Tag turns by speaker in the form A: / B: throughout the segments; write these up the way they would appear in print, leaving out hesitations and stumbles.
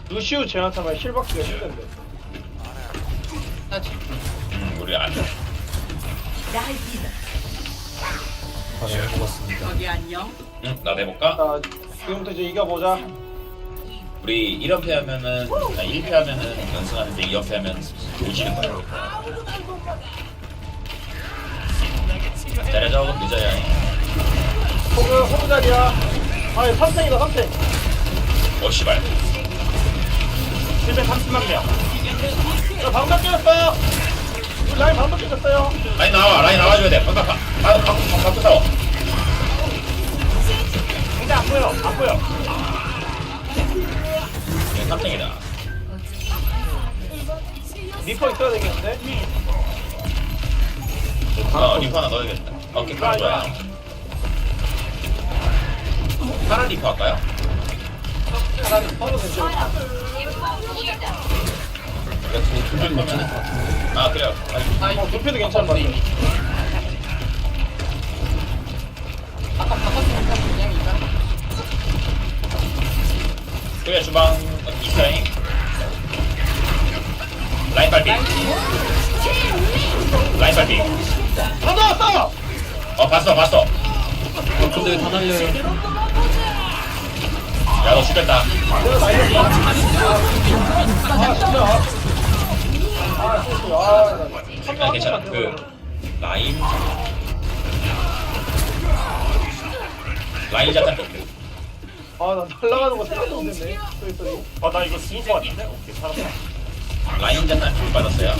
A: 루시우 제나타만 힐박스가 힘든데.
B: 우리 안 돼.
C: 네, 고맙습니다.
D: 거기 안녕.
B: 응, 나 내볼까?
A: 자, 지금부터 이제 이겨보자.
B: 우리 1연패 하면은, 1패 하면은 연승하는데 2연패 하면 오지는 거야. 때려줘, 그럼 늦어야 해.
A: 호그 자리야. 아니, 3탱이다, 3탱.
B: 씨발.
A: 730만 명. 자, 방금 깨졌어요. 우리 라인 방금 깨졌어요.
B: 라인 나와줘야 돼. 방금 싸워.
A: 근데 안 보여, 안 보여.
B: 3탱이다.
A: 리퍼 있어야 되겠는데?
B: 리퍼 하나 넣어야겠다. 오케이, 그럼 좋아요. 파란 리퍼 할까요?
A: 하나는 서로 괜찮아.
C: 두분 괜찮을 것 같은데.
B: 아, 그래요.
A: 두피도 괜찮은 것 같아.
D: 아까 바꿨으니까 그냥 이거.
B: 그래, 주방 이스라잉. 라인 발비. 라인 발비.
A: 다 나왔어!
B: 봤어.
C: 근데 왜 다 날려요?
B: 야, 너 죽겠다.
A: 내가 날렸어. 아, 진짜. 아, 실수.
B: 아, 괜찮아. 라인 자탄 뺐대.
A: 아, 나 날아가는 거 생각도 못했네. 쏘리.
E: 나 이거 죽을 것 같은데? 오케이, 살았다.
B: 라인 자탄 줄 받았어요.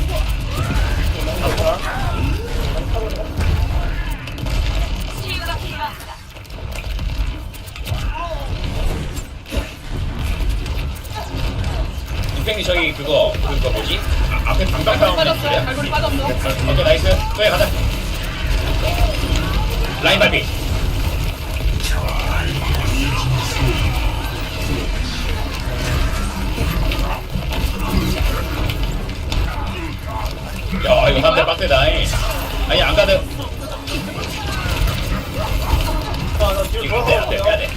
B: 임팽이 저기 그거 뭐지? 앞에 방방 싸움
D: 빠졌어요. 갈고리 빠졌어.
B: 오케이, 나이스. 또해 가자. 라인 발비. 야, 이거 사람들 빡세다. 아니, 안 가도.
A: 아, 나 뒤로
B: 이거 빼야 돼.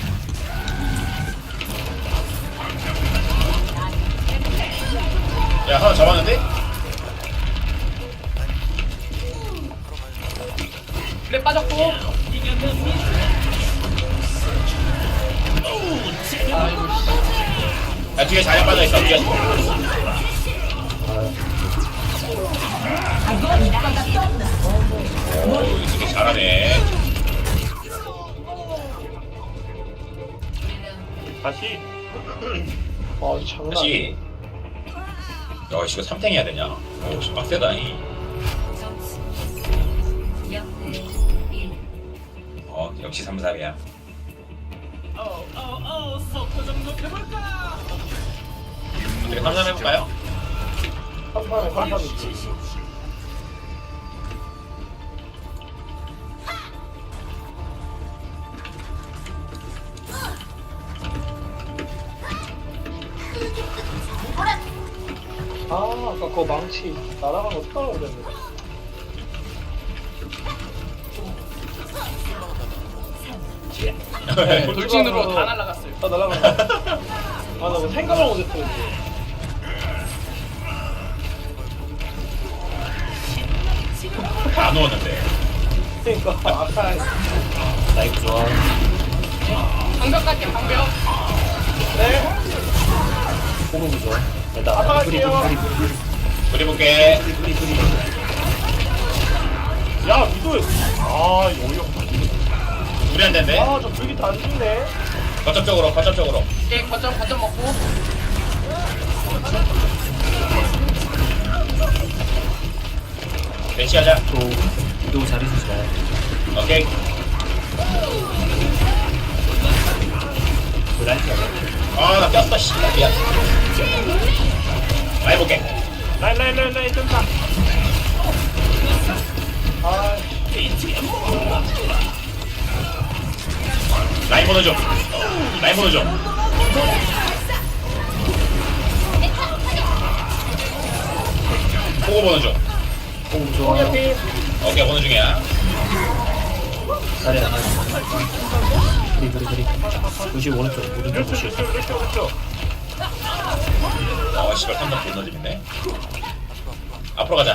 B: 야, 하나 잡았는데?
D: 그래 빠졌고.
B: 야, 뒤에 자연 빠져있어. 뒤에. 오, 이 새끼 잘하네.
E: 다시.
A: 아, 이 장난.
B: 다시. 야, 이거 3탱 해야 되냐? 오, 씨, 빡세다. 역시 3-3이야. 어떻게 3-3 해볼까요?
A: 한 판에 한 판. 아, 아까 그거 망치 날아간 거 습관으로 됐네.
D: 돌진으로 다 날라갔어요.
A: 다 날아간 거. 아, 나 뭐 생각을 못했어.
B: 다 누웠는데.
A: 그러니까 아까
C: 나이스 좋아.
D: 방벽 갈게 방벽.
A: 네.
C: 호흡이 좋아. 일단
A: 아까 갈게요.
B: 그려볼게.
A: 야, 미도.
E: 아, 이거 어이없다.
B: 우리 안 된대.
A: 아, 저 불기 다 안 죽네.
B: 거점 쪽으로.
D: 오케이 거점 먹고.
B: 배치하자.
C: 또 잘해주시나요?
B: 오케이.
C: 라이트가
B: 아, 나 꼈어, 씨. 미안. 라인 볼게.
E: 라인, 뜬다.
A: 아,
B: 라인 번호 좀. 보고 번호 좀.
C: 호흡 좋아.
A: 피.
B: 오케이, 번호 중이야.
C: 잘해. 그리. 루시 오른쪽
E: 그렇죠.
C: 루시.
B: 아 씨발 3번 존나 재밌네. 앞으로 가자.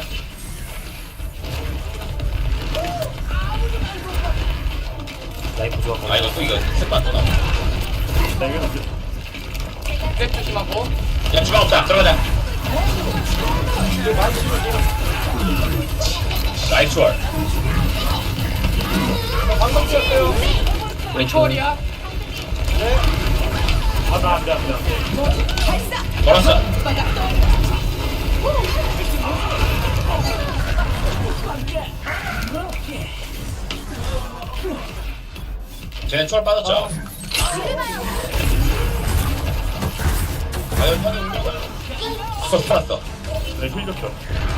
C: 라인 부조화
B: 아 이거 또 이거 셋반 또 나와.
E: 나 이거 던져.
D: 백 조심하고.
B: 야 주방 없다. 들어가자. 나이스 월.
A: 방금 뛰었어요.
C: 왼쪽
D: 초월이야.
E: 아, 나 안 돼, 안 돼, 안 돼.
B: 걸었어. 쟤네 초월 빠졌죠? 과연 형이 운명을 살았어.
E: 내힐 줬어.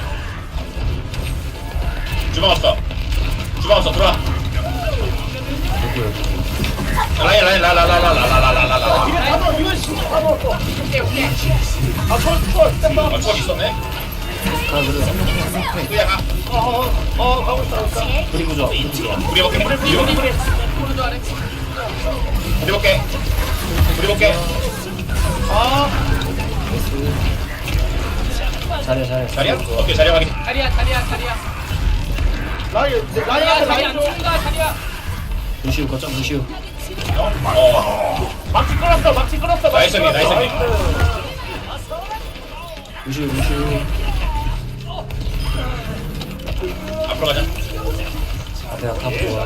B: 주방 없어. 주방 없어. 들어와.
C: 여기 여기
B: 라라라라라라라라라라라라.
A: 이거 다 넣어. 이거 신경 다 넣었어.
D: 오케이 오케이.
A: 아, 철, 땜빵.
B: 아 초월 있었네.
C: 가 그래 3명
B: 그야 가.
A: 가고 있다.
C: 뿌리 부조화 뿌리 부조화
B: 우리 볼게. 우리 볼게.
D: 오른쪽 아래.
B: 우리 볼게. 우리 볼게.
A: 아,
C: 잘해 잘해
B: 자리야? 오케이 자리 확인.
D: 자리야 자리야 자리야.
A: 라인,
D: 자리야
A: 라인
D: 자리야
A: 라인
D: 안
A: 좀.
D: 죽는다 자리야.
C: 루시우 거점 루시우
E: 막치 끌었어, 막치 끌었어.
B: 나이스 미 나이스 미.
C: 루시우
B: 앞으로 가자.
C: 앞에 다 부조화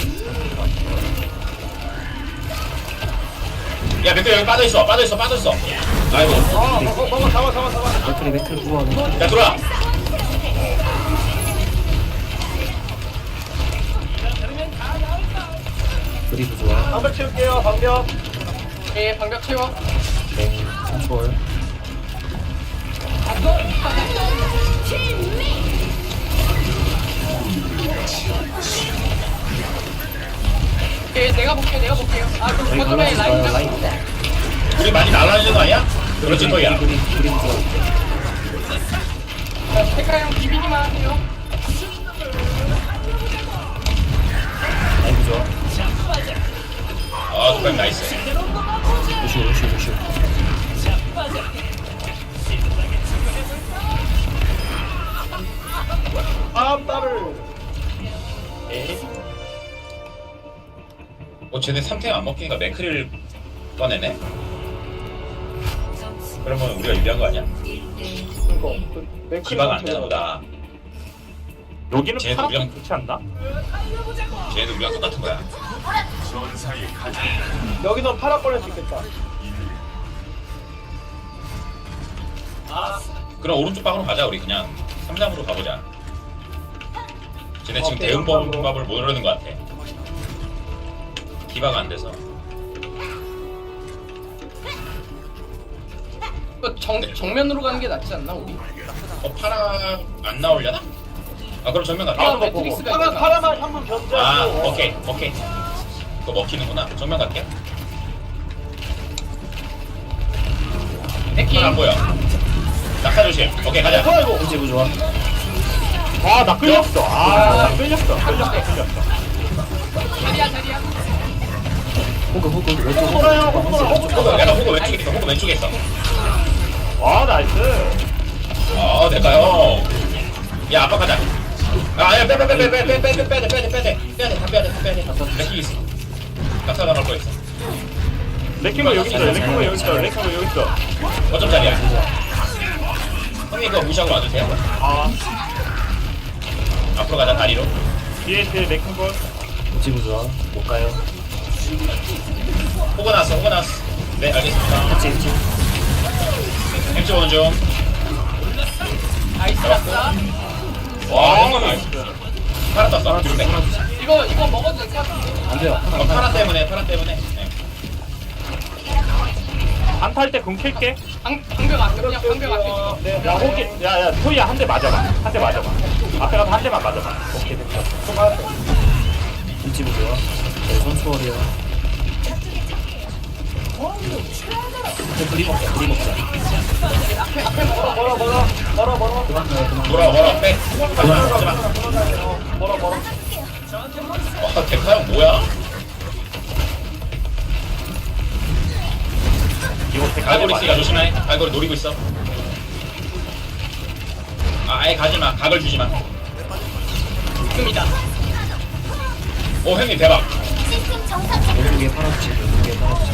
B: 야 맥주 여기 빠져있어. 아이고.
A: 잡아.
C: 맥클이 부조화
B: 야 들어와.
C: 뿌리 부조화
A: 방벽 채울게요, 방벽.
D: 예 방벽 채워.
C: 뱅 컨트롤
D: 예 내가 볼게요. 아 그
C: 저희
D: 거점에 라인
C: 갈라졌어요
D: 잡고.
C: 라인
B: 우리 많이 날라지는 거 아니야? 그렇지 토이야.
C: 뿌리 부조화
D: 백화 형 비비기만 하세요.
C: 라인 부조화
B: 아 두발 나이스.
C: 루시우
A: 다음
B: 쟤네 3탱 안 먹히니까 맥크릴 꺼내네. 그러면 우리가 유리한 거 아니야? 기바가 안 되나 보다.
E: 여기는
B: 쟤도
E: 파란
B: 우리랑-
E: 좋지 않나?
B: 쟤네도 우리랑 똑같은 거야.
A: 여기서 파라 꺼낼 수 있겠다.
B: 그럼 오른쪽 방으로 가자. 우리 그냥 3-3으로 가보자. 쟤네 지금
A: 오케이,
B: 대응법을 모르는 것 같아. 기바가 안 돼서.
D: 이거 정면으로 가는 게 낫지 않나 우리?
B: 파라 안 나오려나? 아 그럼 정면
D: 아,
B: 갈게.
D: 매트릭스가
A: 파라,
D: 있잖아.
A: 파라만 한번
B: 아
A: 견제하고.
B: 오케이. 그거 먹히는구나. 정면 갈게.
D: 백킹.
B: 파라 안 보여. 낙하 조심. 오케이 가자.
A: 아이고.
C: 현지 부조화
E: 아, 나 끌렸어. 나 끌렸어.
D: 자리야.
C: 호그 왼쪽 호그
A: 돌아요, 호그.
B: 내가 호그 왼쪽에 있어. 호그 왼쪽에 있어.
E: 아, 나이스.
B: 아 될까요? 야 아빠 가자. 아야 빼돼. 다 빼야 돼. 맥히 있어. 낙사 나갈 거 있어.
E: 레킹볼 여기 있어. 레킹볼 여기 있어.
B: 어쩜 자리야? 형님 그거 무시하고 와주세요.
E: 아,
B: 앞으로 가자 다리로.
E: 뒤에 레킹볼.
C: 현지 부조화 못 가요
B: 호그 나왔어. 네 알겠습니다.
C: 현지
B: 햄찌 오는 중.
D: 나이스 났다.
B: 와 형님 파라 떴어. 뒤로 빼.
D: 이거 먹어도 될 것 같은데.
C: 안 돼요
B: 파라 때문에. 네.
E: 안탈 때 금 킬게.
D: 방벽 앞에 그냥 방벽 앞에 찍어.
A: 네,
E: 야, 호기. 야, 토이야 한 대 맞아봐. 앞에 가서 한 대만 맞아봐. 오케이, 됐어.
C: 현지 부조화 네 선수월이요 뿌리 먹자
D: 앞에 먹어.
A: 멀어.
B: 돌아 빼. 가지마.
A: 멀어.
B: 와 데카 형 뭐야?
E: 이거
B: 갈고리 있으니까 조심해. 갈고리 노리고 있어. 아예 가지마. 각을 주지마.
D: 지금이다.
B: 오 형님 대박.
C: 왼쪽에 파란색, 왼쪽에 파란색.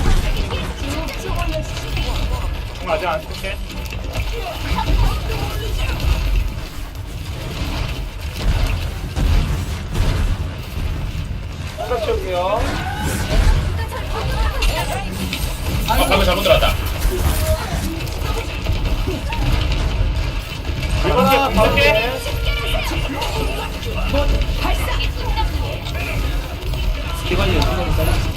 E: 공 아직 안 쓸게.
A: 한번 채울게요.
B: 방금 잘못 들었다.
E: 이번에 공격해.
C: 피관리 잘랐어.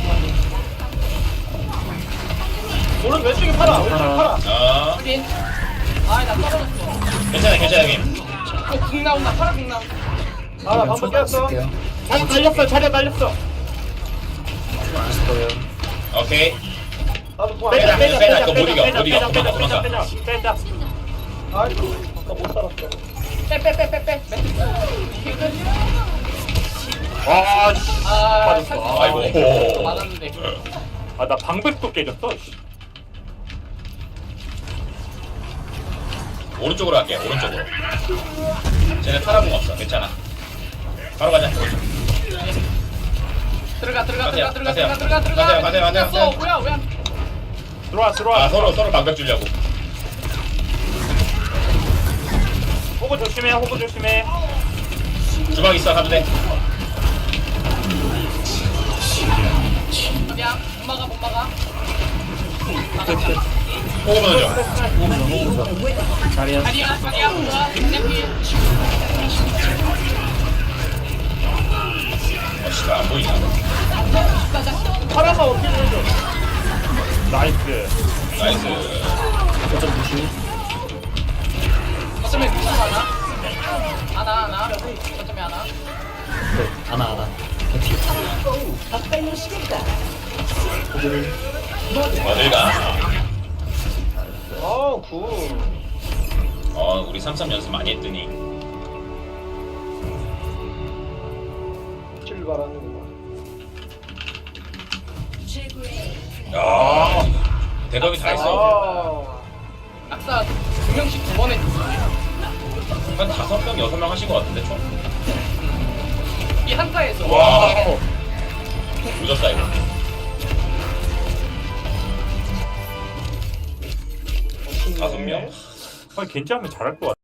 A: 오른 왼쪽에 팔아. 왼쪽에 팔아.
D: 확인. 아나 떨어졌어.
B: 괜찮아 형님.
D: 이거 궁 나온다. 파라 궁 나온다.
A: 나 방금 깼어.
C: 쓸게요.
E: 자리 달렸어. 자리 달렸어.
C: 있을 거예요.
B: 오케이.
A: 나도 통
B: 빼자,
A: 안
B: 빼자,
A: 돼.
B: 빼자. 그거 못 이겨, 못 이겨.
E: 빼자,
B: 도망가,
E: 빼자,
B: 도망가.
E: 빼자.
A: 아이고, 나못 살았어.
D: 빼빼빼빼빼.
E: 와, 씨.
D: 아
E: 빠졌어.
D: 살짝
B: 아이고.
D: 맞았는데.
E: 아, 나 방백도 깨졌어. 씨.
B: 오른쪽으로 갈게. 오른쪽으로. 쟤네 타라공 없어. 괜찮아. 바로 가자.
D: 들어가
B: 가세요,
D: 들어가
B: 가세요.
D: 들어가 들어가.
B: 가세요.
D: 어 뭐야 왜?
E: 들어와.
B: 아 서로 방벽 주려고.
E: 호구 조심해. 호구 조심해.
B: 주방 있어. 가도 돼.
D: 그냥 못 막아 못 막아.
B: 호구 보내줘.
C: 호구 좋아. 자리야.
D: 자리야 좋아. 피.
B: 씨발 안 보이냐.
A: 파라가 어떻게 해줘?
E: 나이스.
B: 나이스.
C: 거점 조심.
D: 어쩌면 무슨 하나. 어쩌면 하나.
C: 네, 하나. 개피. 호구를.
B: 어딜 가?
A: 아, 굿.
B: 우리 3-3 연습 많이 했더니.
A: 출발하는구만.
B: 야, 대답이 다 있어.
A: 아,
D: 악사 2명씩 2번 했어.
B: 한 5명, 6명 하신 것 같은데 총.
D: 이 한타에서.
B: 와, 늦었다 이거.
A: 멋있네.
B: 5명?
E: 아, 괜찮으면 잘할 것 같아.